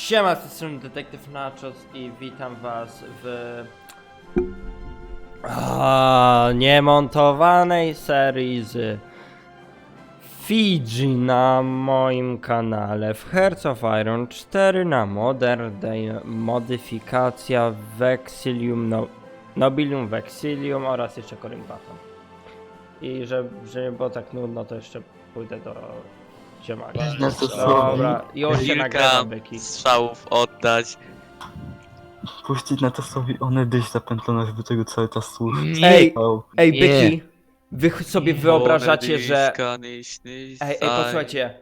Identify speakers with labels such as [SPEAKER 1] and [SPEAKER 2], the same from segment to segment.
[SPEAKER 1] Siema, z tej strony Detektyw Nachos i witam was w niemontowanej serii z Fiji na moim kanale w Hearts of Iron 4 na Modern Day, modyfikacja Vexilium, Nobilium Vexilium oraz jeszcze Corynbaton. I żeby nie było tak nudno, to jeszcze pójdę do ziemaka. Dobra, już się nagrywam, byki.
[SPEAKER 2] Strzałów oddać.
[SPEAKER 3] Puścić na czasowi one dyś zapętlone, żeby tego cały czas słuchać.
[SPEAKER 1] Ej,
[SPEAKER 3] Nie.
[SPEAKER 1] byki, wy sobie wyobrażacie, że... Ej, posłuchajcie.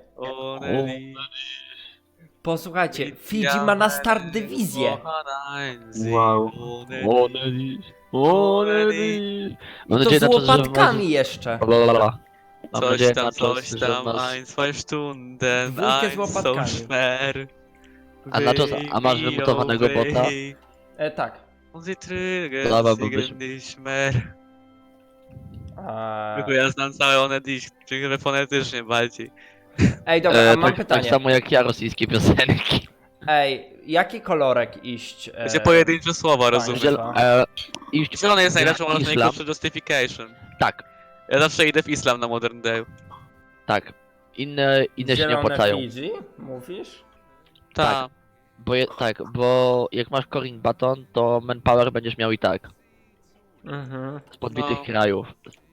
[SPEAKER 1] Posłuchajcie, Fiji ma na start dywizję.
[SPEAKER 3] Wow.
[SPEAKER 1] I to z łopatkami jeszcze.
[SPEAKER 3] Mam
[SPEAKER 2] Coś
[SPEAKER 3] nadzieję,
[SPEAKER 2] tam,
[SPEAKER 3] Nachos,
[SPEAKER 2] coś
[SPEAKER 3] że
[SPEAKER 2] tam,
[SPEAKER 3] masz-
[SPEAKER 2] ein, zwei Stunden,
[SPEAKER 1] Dwójkę z
[SPEAKER 2] ein, so
[SPEAKER 1] łopatkami.
[SPEAKER 2] schwer.
[SPEAKER 3] A Nachos, a masz wymutowanego bota?
[SPEAKER 1] Tak.
[SPEAKER 2] Sie trügen
[SPEAKER 3] Dobra, bo
[SPEAKER 2] sich
[SPEAKER 3] byś-
[SPEAKER 2] nicht mehr. Tylko ja znam całe one dziś, czyli fonetycznie bardziej.
[SPEAKER 1] Ej, dobra, a mam
[SPEAKER 3] tak,
[SPEAKER 1] pytanie.
[SPEAKER 3] tak samo jak ja rosyjskie piosenki.
[SPEAKER 1] Ej, jaki kolorek iść?
[SPEAKER 2] Będzie pojedyncze słowa,
[SPEAKER 1] fajnie.
[SPEAKER 2] rozumiesz?
[SPEAKER 3] Iść
[SPEAKER 2] Zielony jest najlepszą,
[SPEAKER 3] na
[SPEAKER 2] masz
[SPEAKER 3] islam.
[SPEAKER 2] najgorszy justification.
[SPEAKER 3] Tak,
[SPEAKER 2] Ja zawsze idę w islam na Modern Day.
[SPEAKER 3] tak. Inne się nie
[SPEAKER 1] Zielone
[SPEAKER 3] opłacają.
[SPEAKER 1] Fiji, mówisz?
[SPEAKER 2] Tak.
[SPEAKER 3] Bo jak masz Coring Baton, to manpower będziesz miał i tak.
[SPEAKER 1] Mhm.
[SPEAKER 3] Z podbitych
[SPEAKER 2] No.
[SPEAKER 3] krajów.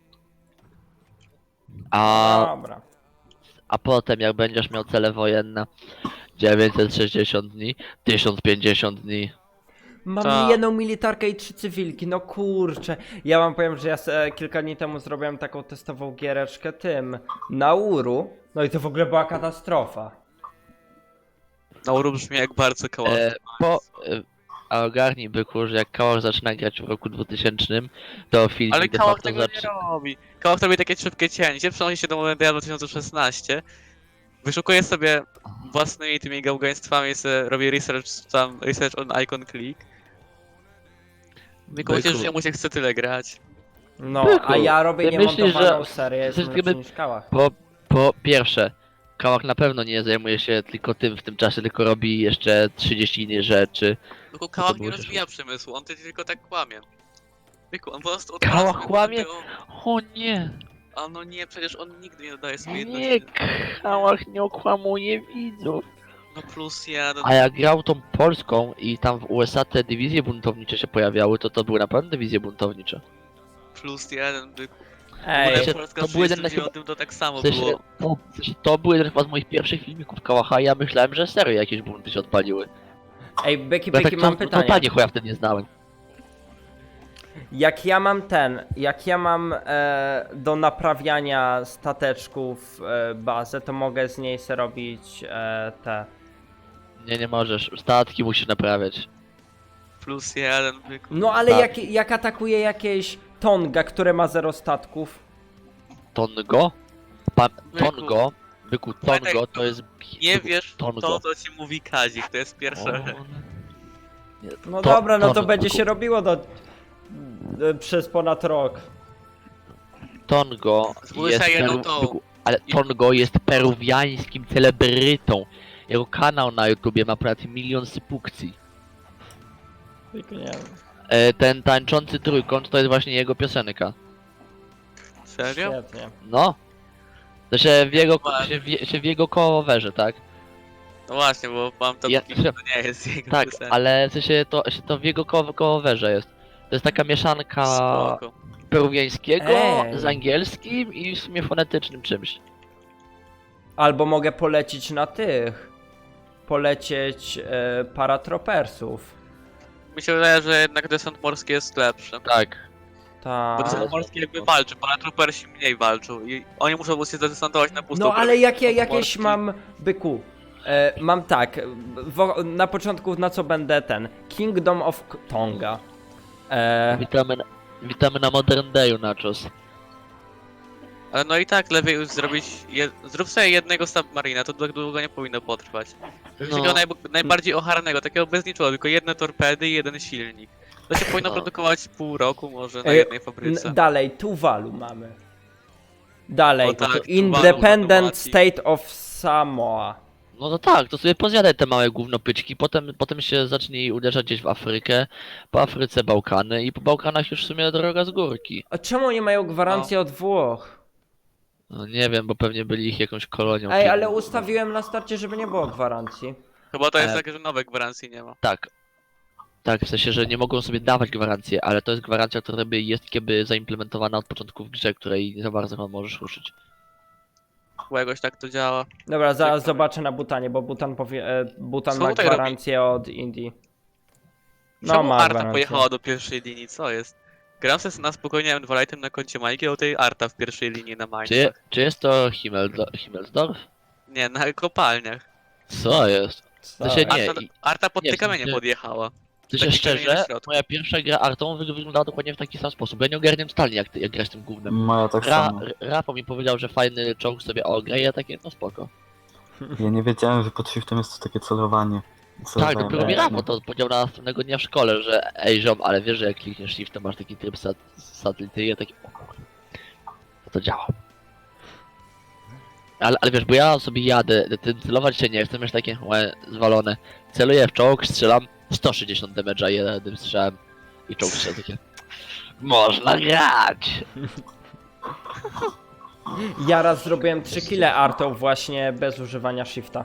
[SPEAKER 1] Dobra.
[SPEAKER 3] A potem jak będziesz miał cele wojenne 960 dni, 1050 dni.
[SPEAKER 1] Mam
[SPEAKER 2] Tak.
[SPEAKER 1] jedną militarkę i 3 cywilki, no kurczę. Ja wam powiem, że ja kilka dni temu zrobiłem taką testową giereczkę tym, Nauru. No i to w ogóle była katastrofa.
[SPEAKER 2] Nauru brzmi jak bardzo koło.
[SPEAKER 3] A ogarnij byku, że jak Kałach zaczyna grać w roku 2000, to film
[SPEAKER 2] Ale
[SPEAKER 3] de
[SPEAKER 2] Kałach
[SPEAKER 3] facto
[SPEAKER 2] tego nie robi. Kałach robi takie szybkie cięcie, przenosi się do Modern Day 2016. Wyszukuje sobie własnymi tymi gałgaństwami, robi research on icon click. Tylko myślę, że jemu się chce tyle grać.
[SPEAKER 1] No,
[SPEAKER 3] Byku,
[SPEAKER 1] a ja robię
[SPEAKER 3] ty myślisz,
[SPEAKER 1] niemontowaną
[SPEAKER 3] że
[SPEAKER 1] serię, jestem
[SPEAKER 3] wszystkie
[SPEAKER 1] lepszy niż Kałach.
[SPEAKER 3] Po pierwsze, Kałach na pewno nie zajmuje się tylko tym w tym czasie, tylko robi jeszcze 30 innych rzeczy.
[SPEAKER 2] Tylko Kałach
[SPEAKER 3] było
[SPEAKER 2] nie
[SPEAKER 3] też-
[SPEAKER 2] rozwija przemysłu, on tylko tak kłamie. Byku, on po prostu
[SPEAKER 3] Kałach
[SPEAKER 2] odwraca
[SPEAKER 3] kłamie?
[SPEAKER 2] tego-
[SPEAKER 3] O nie!
[SPEAKER 2] A no nie, przecież on nigdy nie dodaje swojej
[SPEAKER 3] Nie,
[SPEAKER 2] jedności.
[SPEAKER 3] Kałach nie okłamuje widzów.
[SPEAKER 2] No plus jeden.
[SPEAKER 3] A jak grał tą polską i tam w USA te dywizje buntownicze się pojawiały, to były naprawdę dywizje buntownicze.
[SPEAKER 2] Plus jeden, byku.
[SPEAKER 1] Ej,
[SPEAKER 3] sensie,
[SPEAKER 2] Polska
[SPEAKER 3] to
[SPEAKER 2] w
[SPEAKER 3] był jeden
[SPEAKER 2] 39 to tak samo
[SPEAKER 3] W sensie,
[SPEAKER 2] było.
[SPEAKER 3] to był jeden chyba z moich pierwszych filmików Kałacha i ja myślałem, że serio jakieś bunty się odpaliły.
[SPEAKER 1] ej, Becky,
[SPEAKER 3] Ja
[SPEAKER 1] Becky, mam pytanie.
[SPEAKER 3] totalnie chuja wtedy nie znałem.
[SPEAKER 1] Jak ja mam do naprawiania stateczków bazę, to mogę z niej se robić te.
[SPEAKER 3] Nie możesz. Statki musisz naprawiać.
[SPEAKER 2] Plus jeden, byku.
[SPEAKER 1] No ale
[SPEAKER 3] Tak.
[SPEAKER 1] jak atakuje jakieś Tonga, które ma 0 statków.
[SPEAKER 3] Tongo?
[SPEAKER 2] Byku.
[SPEAKER 3] Tongo? Byku,
[SPEAKER 2] Pamiętaj,
[SPEAKER 3] Tongo to jest...
[SPEAKER 2] Nie
[SPEAKER 3] byku,
[SPEAKER 2] wiesz w
[SPEAKER 3] Tongo.
[SPEAKER 2] to, co ci mówi Kazik, to jest pierwsza rzecz.
[SPEAKER 3] Nie,
[SPEAKER 1] No
[SPEAKER 3] to-
[SPEAKER 1] dobra, no to
[SPEAKER 3] Tongo,
[SPEAKER 1] będzie
[SPEAKER 3] byku.
[SPEAKER 1] się robiło przez ponad rok.
[SPEAKER 3] Tongo
[SPEAKER 2] Zbuduj
[SPEAKER 3] jest...
[SPEAKER 2] sobie jedną
[SPEAKER 3] Peru...
[SPEAKER 2] tą.
[SPEAKER 3] Byku, ale Tongo jest peruwiańskim celebrytą. Jego kanał na YouTubie ma ponad 1 milion subskrypcji.
[SPEAKER 1] Tylko nie wiem.
[SPEAKER 3] Ten tańczący trójkąt to jest właśnie jego piosenka.
[SPEAKER 2] Serio?
[SPEAKER 1] Świetnie.
[SPEAKER 3] No. To się w jego,
[SPEAKER 2] Ładnie.
[SPEAKER 3] się w jego coverze, tak?
[SPEAKER 2] No właśnie, bo mam to
[SPEAKER 3] Ja-
[SPEAKER 2] to nie jest jego
[SPEAKER 3] Tak,
[SPEAKER 2] piosenka.
[SPEAKER 3] ale w sensie to w jego coverze jest. To jest taka mieszanka
[SPEAKER 2] Spoko.
[SPEAKER 3] peruwiańskiego
[SPEAKER 1] Ej.
[SPEAKER 3] z angielskim i w sumie fonetycznym czymś.
[SPEAKER 1] Albo mogę polecieć na tych. Polecieć paratropersów.
[SPEAKER 2] Mi się wydaje, że jednak desant morski jest lepszy.
[SPEAKER 3] Tak.
[SPEAKER 2] Bo
[SPEAKER 1] Tak.
[SPEAKER 2] desant morski jakby walczy, paratroopersi mniej walczą i oni muszą móc się zadesantować na pustą
[SPEAKER 1] No ale
[SPEAKER 2] drogę.
[SPEAKER 1] jak ja
[SPEAKER 2] Desant
[SPEAKER 1] jakieś
[SPEAKER 2] morski-
[SPEAKER 1] mam byku. Mam tak, na początku na co będę ten Kingdom of Tonga.
[SPEAKER 3] Witamy na Modern Dayu, Nachos.
[SPEAKER 2] Ale no i tak lepiej już zrobić. Zrób sobie jednego submarina, to tak długo nie powinno potrwać.
[SPEAKER 3] No.
[SPEAKER 2] Takiego najbardziej ocharnego, takiego bez niczego, tylko jedne torpedy i jeden silnik. To się powinno
[SPEAKER 3] No.
[SPEAKER 2] produkować pół roku może na
[SPEAKER 1] Ej,
[SPEAKER 2] jednej fabryce.
[SPEAKER 1] Dalej, Tuvalu mamy. Dalej,
[SPEAKER 2] O tak, Tuvalu
[SPEAKER 1] Independent
[SPEAKER 2] automacji.
[SPEAKER 1] State of Samoa.
[SPEAKER 3] No to tak, to sobie pozjadaj te małe gównopyczki, potem się zacznij uderzać gdzieś w Afrykę, po Afryce Bałkany i po Bałkanach już w sumie droga z górki.
[SPEAKER 1] A czemu nie mają gwarancji od Włoch?
[SPEAKER 3] No nie wiem, bo pewnie byli ich jakąś kolonią.
[SPEAKER 1] Ej,
[SPEAKER 3] czy-
[SPEAKER 1] ale ustawiłem na starcie, żeby nie było gwarancji.
[SPEAKER 2] Chyba to jest
[SPEAKER 3] E,
[SPEAKER 2] takie, że nowe gwarancji nie ma.
[SPEAKER 3] Tak. Tak, w sensie, że nie mogą sobie dawać gwarancję, ale to jest gwarancja, która by jest kiedy zaimplementowana od początku w grze, której nie za bardzo możesz ruszyć.
[SPEAKER 2] Chyba jakoś tak to działa.
[SPEAKER 1] Dobra, zaraz zobaczę na Butanie, bo Butan
[SPEAKER 2] Co
[SPEAKER 1] ma
[SPEAKER 2] tutaj
[SPEAKER 1] gwarancję od Indii. No
[SPEAKER 2] Czemu
[SPEAKER 1] ma
[SPEAKER 2] Arta
[SPEAKER 1] gwarancję.
[SPEAKER 2] pojechała do pierwszej linii? Co jest? Gram sobie na spokojnie M2 na koncie Majki, a tej Arta w pierwszej linii na Mainz.
[SPEAKER 3] Czy jest to Himmelsdorf?
[SPEAKER 2] Nie, na kopalniach.
[SPEAKER 3] Co jest?
[SPEAKER 1] Co?
[SPEAKER 3] się nie-
[SPEAKER 2] Arta pod
[SPEAKER 3] nie,
[SPEAKER 2] te
[SPEAKER 3] w sensie-
[SPEAKER 2] kamienie podjechała.
[SPEAKER 3] W sensie
[SPEAKER 2] Taki kamień na
[SPEAKER 3] szczerze,
[SPEAKER 2] środku.
[SPEAKER 3] moja pierwsza gra Artą wyglądała dokładnie w taki sam sposób. Ja nie ogarniam totalnie jak grać tym gównem.
[SPEAKER 4] Moja tak samo.
[SPEAKER 3] Rafał mi powiedział, że fajny czołg sobie ogra i ja takie, no spoko.
[SPEAKER 4] Ja nie wiedziałem, że pod shiftem jest to takie celowanie.
[SPEAKER 3] Tak,
[SPEAKER 4] Celowałem
[SPEAKER 3] dopiero mi
[SPEAKER 4] mocno.
[SPEAKER 3] Rafał to powiedział następnego dnia w szkole, że ej ziom, ale wiesz, że jak klikniesz shift, to masz taki tryb satelity i ja taki, o kurde, to działa. Ale wiesz, bo ja sobie jadę, celować się nie chcę, już takie zwalone. Celuję w czołg, strzelam 160 damage'a jednym strzałem i czołg strzela takie. Można grać!
[SPEAKER 1] Ja raz zrobiłem 3 kile Artą właśnie bez używania shifta.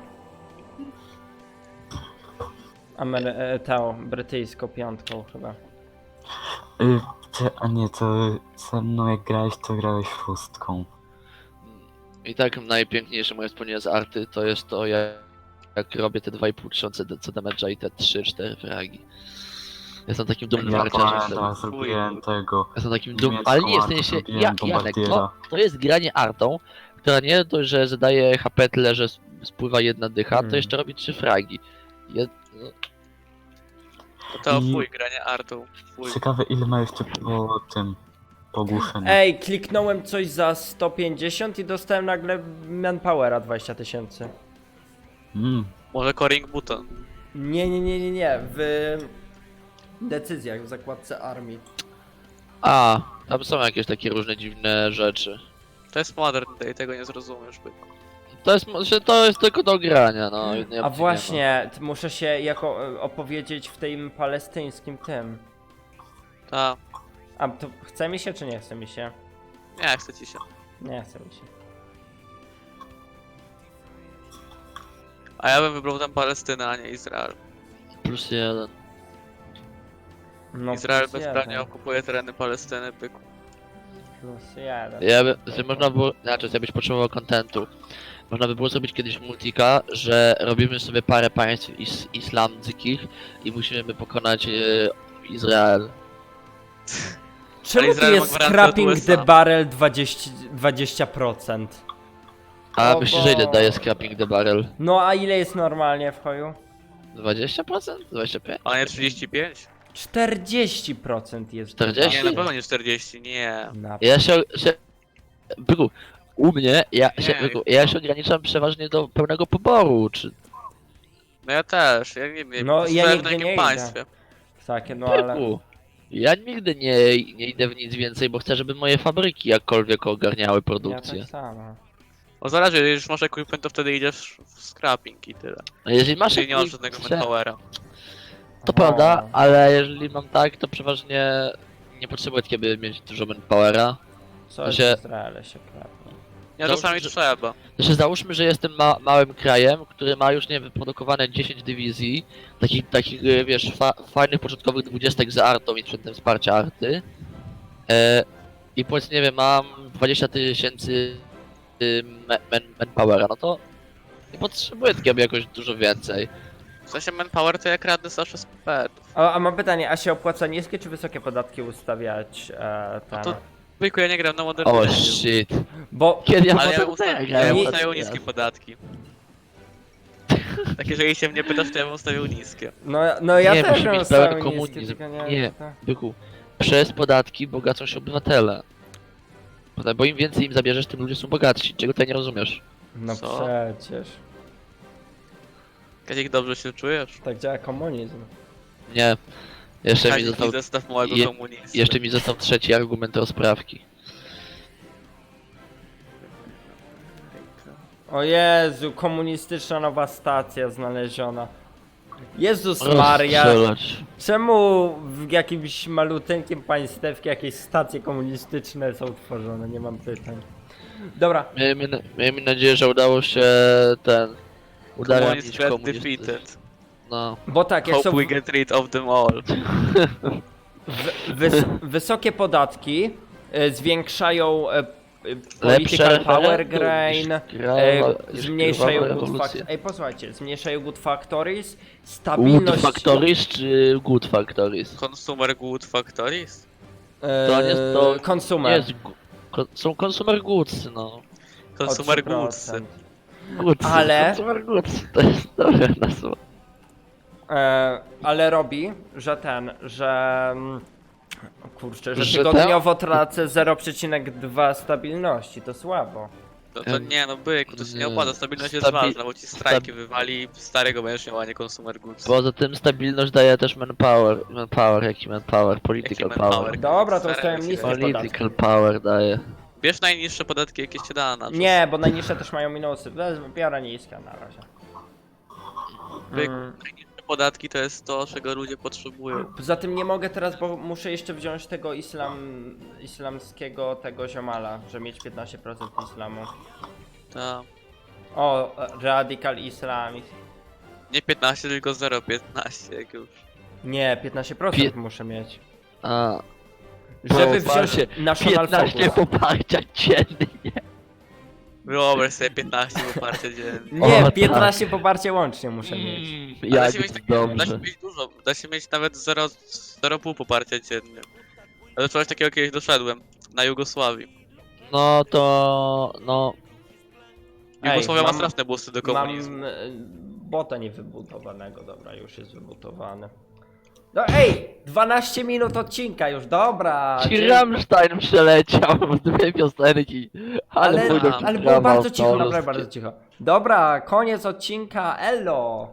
[SPEAKER 1] Brytyjską piątką chyba.
[SPEAKER 4] A nie, to ze mną jak grałeś, to grałeś szóstką.
[SPEAKER 3] I tak najpiękniejsze moje wspomnienie z arty to jest to, jak robię te 2500 damage'a i te 3-4 fragi. Jestem takim dumnym
[SPEAKER 4] Ja
[SPEAKER 3] marciarzem.
[SPEAKER 4] pamiętam, zrobiłem tego.
[SPEAKER 3] Jestem takim dumnym,
[SPEAKER 4] niemiecką
[SPEAKER 3] ale nie, w
[SPEAKER 4] artę
[SPEAKER 3] sensie,
[SPEAKER 4] zrobiłem,
[SPEAKER 3] Janek,
[SPEAKER 4] bombardiera.
[SPEAKER 3] to jest granie artą, która nie dość, że zadaje HP tyle, że spływa jedna dycha, to jeszcze robi 3 fragi. No,
[SPEAKER 2] To
[SPEAKER 4] I-
[SPEAKER 2] fuj, granie Artą. Fuj.
[SPEAKER 4] Ciekawe ile ma jeszcze po tym pogłuszeniu.
[SPEAKER 1] Ej, kliknąłem coś za 150 i dostałem nagle manpowera 20 000.
[SPEAKER 2] Może Coring Button.
[SPEAKER 1] Nie, w decyzjach w zakładce armii.
[SPEAKER 3] A, tam są jakieś takie różne dziwne rzeczy.
[SPEAKER 2] To jest Modern Day, tego nie zrozumiesz, byku.
[SPEAKER 3] To jest tylko do grania, no. innej
[SPEAKER 1] A
[SPEAKER 3] opcji
[SPEAKER 1] właśnie, muszę się opowiedzieć w tym palestyńskim tym.
[SPEAKER 2] Ta.
[SPEAKER 1] A to chce mi się czy nie chce mi się?
[SPEAKER 2] Nie, chce ci się.
[SPEAKER 1] Nie chce mi się.
[SPEAKER 2] A ja bym wybrał tam Palestynę, a nie Izrael.
[SPEAKER 3] Nie ma. +1.
[SPEAKER 1] No
[SPEAKER 2] Izrael
[SPEAKER 1] plus
[SPEAKER 2] bezprawnie
[SPEAKER 1] jeden.
[SPEAKER 2] okupuje tereny Palestyny, byku.
[SPEAKER 1] Plus jeden.
[SPEAKER 3] Można było, znaczy, jakbyś potrzebował kontentu, można by było zrobić kiedyś multika, że robimy sobie parę państw islamskich i musimy pokonać Izrael.
[SPEAKER 1] Czemu tu
[SPEAKER 2] Izrael ma
[SPEAKER 1] jest
[SPEAKER 2] gwarancję od
[SPEAKER 1] scrapping
[SPEAKER 2] USA.
[SPEAKER 1] the barrel 20%?
[SPEAKER 3] A
[SPEAKER 1] O
[SPEAKER 3] myślisz, że ile
[SPEAKER 1] Bo-
[SPEAKER 3] daje scrapping the barrel?
[SPEAKER 1] No a ile jest normalnie w hoju?
[SPEAKER 3] 20%? 25%?
[SPEAKER 2] A nie 35?
[SPEAKER 1] 40% jest.
[SPEAKER 3] 40?
[SPEAKER 2] Nie, na pewno nie 40, nie.
[SPEAKER 1] Na...
[SPEAKER 3] Ja Byku, u mnie,
[SPEAKER 2] Nie,
[SPEAKER 3] ja się ograniczam przeważnie do pełnego poboru, czy...
[SPEAKER 2] No ja też, ja nie wiem,
[SPEAKER 1] No, ja
[SPEAKER 2] w
[SPEAKER 1] nigdy
[SPEAKER 2] jakim
[SPEAKER 1] nie
[SPEAKER 2] państwie.
[SPEAKER 1] Takie, no ale...
[SPEAKER 3] Byku, ja nigdy nie idę w nic więcej, bo chcę, żeby moje fabryki jakkolwiek ogarniały
[SPEAKER 1] Ja
[SPEAKER 3] produkcję.
[SPEAKER 1] tak samo.
[SPEAKER 2] O zależy, jeżeli już masz equipment, to wtedy idziesz w scrapping i tyle.
[SPEAKER 3] No jeżeli masz
[SPEAKER 2] Czyli nie masz
[SPEAKER 3] jakiś-
[SPEAKER 2] żadnego manpowera.
[SPEAKER 3] To prawda, ale jeżeli mam tak, to przeważnie nie potrzebuję kiedy mieć dużo manpowera.
[SPEAKER 1] Co jest
[SPEAKER 3] się-
[SPEAKER 1] w Izraele się krapnie.
[SPEAKER 2] Nie,
[SPEAKER 3] Załóżmy,
[SPEAKER 2] czasami
[SPEAKER 3] że-
[SPEAKER 2] trzeba.
[SPEAKER 3] Znaczy załóżmy, że jestem małym krajem, który ma już nie wiem, wyprodukowane 10 dywizji, takich wiesz, fajnych początkowych 20 z artą i przedtem wsparcia arty. I powiedzmy, nie wiem, mam 20 000 manpowera, no to nie potrzebuję takiego jakoś dużo więcej.
[SPEAKER 2] W sensie manpower to jak radny zawsze z petów.
[SPEAKER 1] A mam pytanie, a się opłaca niskie czy wysokie podatki ustawiać tam?
[SPEAKER 2] to- Byku, ja nie gram na Modern
[SPEAKER 3] O
[SPEAKER 2] Day.
[SPEAKER 3] shit.
[SPEAKER 1] Bo
[SPEAKER 3] Kiedy ja
[SPEAKER 2] Ale ja
[SPEAKER 3] potem
[SPEAKER 2] bym ustawił,
[SPEAKER 3] grałem?
[SPEAKER 2] ja bym
[SPEAKER 1] Nie-
[SPEAKER 2] ustawił niskie podatki. Tak, jeżeli się mnie pytasz, to ja bym ustawił niskie.
[SPEAKER 1] no ja
[SPEAKER 3] Nie,
[SPEAKER 1] też
[SPEAKER 3] musi
[SPEAKER 1] bym
[SPEAKER 3] być pełen
[SPEAKER 1] ustawił
[SPEAKER 3] komunizm.
[SPEAKER 1] niskie, tylko
[SPEAKER 3] Nie.
[SPEAKER 1] to-
[SPEAKER 3] Byku, przez podatki bogacą się obywatele. Bo im więcej im zabierzesz, tym ludzie są bogatsi. Czego ty nie rozumiesz?
[SPEAKER 1] No
[SPEAKER 2] Co?
[SPEAKER 1] przecież.
[SPEAKER 2] Kazik, dobrze się czujesz?
[SPEAKER 1] Tak działa komunizm.
[SPEAKER 3] Nie. Jeszcze mi
[SPEAKER 2] Kazik,
[SPEAKER 3] został,
[SPEAKER 2] zestaw małego
[SPEAKER 3] je-
[SPEAKER 2] komunisty.
[SPEAKER 3] jeszcze mi został trzeci argument rozprawki.
[SPEAKER 1] O Jezu, komunistyczna nowa stacja znaleziona. Jezus Maria,
[SPEAKER 3] Rozstrzelać.
[SPEAKER 1] czemu w jakimś maluteńkim państewku jakieś stacje komunistyczne są tworzone? Nie mam pytań. Dobra,
[SPEAKER 3] Miejmy nadzieję, że udało się udaremnić
[SPEAKER 2] Communist get
[SPEAKER 3] komunistów.
[SPEAKER 2] defeated.
[SPEAKER 3] No.
[SPEAKER 1] bo tak, jak
[SPEAKER 2] Hope
[SPEAKER 1] są
[SPEAKER 2] we get rid of them all.
[SPEAKER 1] wysokie podatki zwiększają
[SPEAKER 3] Lepsze
[SPEAKER 1] political power
[SPEAKER 3] referendum
[SPEAKER 1] grain,
[SPEAKER 3] niż
[SPEAKER 1] zmniejszają
[SPEAKER 3] krwawa
[SPEAKER 1] good
[SPEAKER 3] rewolucja.
[SPEAKER 1] factories. Ej, posłuchajcie, zmniejszają good factories,
[SPEAKER 3] Good
[SPEAKER 1] stabilność...
[SPEAKER 3] Factories czy Good Factories?
[SPEAKER 2] Consumer good factories?
[SPEAKER 3] To nie jest to...
[SPEAKER 1] Consumer.
[SPEAKER 3] Jest, są Consumer Goods, no.
[SPEAKER 1] O
[SPEAKER 2] Consumer
[SPEAKER 1] 3%.
[SPEAKER 2] goods.
[SPEAKER 3] Goods,
[SPEAKER 1] Ale-
[SPEAKER 3] Consumer Goods, to jest dobre nazwa.
[SPEAKER 1] Ale robi, że o kurczę, że
[SPEAKER 3] Że
[SPEAKER 1] tygodniowo tracę 0,2 stabilności, to słabo.
[SPEAKER 2] No to nie, no byku, to się nie opłaca, stabilność jest
[SPEAKER 3] Stabi-
[SPEAKER 2] ważna, bo ci strajki wywali, starego będziesz miał, a nie consumer goods.
[SPEAKER 3] Poza tym stabilność daje też manpower, jaki manpower, political
[SPEAKER 2] Jaki
[SPEAKER 3] power.
[SPEAKER 2] manpower?
[SPEAKER 1] Dobra, to
[SPEAKER 2] Starego
[SPEAKER 1] ustawiam
[SPEAKER 2] się
[SPEAKER 1] niskie
[SPEAKER 2] daje.
[SPEAKER 1] podatki.
[SPEAKER 3] Political power daje.
[SPEAKER 2] Bierz najniższe podatki, jakie się da na
[SPEAKER 1] Nie, bo najniższe też mają minusy. Biorę niska na razie.
[SPEAKER 2] Byku, najniższe podatki to jest to, czego ludzie potrzebują.
[SPEAKER 1] Poza tym nie mogę teraz, bo muszę jeszcze wziąć tego islamskiego tego ziomala, że mieć 15% islamu.
[SPEAKER 2] Ta.
[SPEAKER 1] O, Radical Islamist.
[SPEAKER 2] Nie 15, tylko 0,15 jak już.
[SPEAKER 1] Nie, 15% muszę mieć.
[SPEAKER 3] A,
[SPEAKER 1] Żeby wziąć
[SPEAKER 3] poparcie,
[SPEAKER 1] National
[SPEAKER 3] 15
[SPEAKER 1] Focus.
[SPEAKER 3] poparcia dziennie.
[SPEAKER 2] Wyobraź sobie 15 poparcie dziennie.
[SPEAKER 1] Nie,
[SPEAKER 3] O, tak.
[SPEAKER 1] 15 poparcie łącznie muszę mieć.
[SPEAKER 2] Da
[SPEAKER 3] Jak
[SPEAKER 2] się mieć
[SPEAKER 3] jest
[SPEAKER 2] da się
[SPEAKER 3] dobrze.
[SPEAKER 2] mieć dużo, da się mieć nawet 0,5 poparcia dziennie. Ale do czegoś takiego kiedyś doszedłem, na Jugosławii.
[SPEAKER 3] No to... no...
[SPEAKER 2] Jugosławia ma
[SPEAKER 1] mam-
[SPEAKER 2] straszne busty do komunizmu.
[SPEAKER 1] Mam bota niewybudowanego, dobra, już jest wybudowany. No ej, 12 minut odcinka już, dobra.
[SPEAKER 3] Ci Rammstein przeleciał w dwie piosenki.
[SPEAKER 1] Ale,
[SPEAKER 3] pójdą
[SPEAKER 1] ale
[SPEAKER 3] ci
[SPEAKER 1] było
[SPEAKER 3] drama
[SPEAKER 1] bardzo cicho,
[SPEAKER 3] polskie.
[SPEAKER 1] naprawdę bardzo cicho. Dobra, koniec odcinka, elo.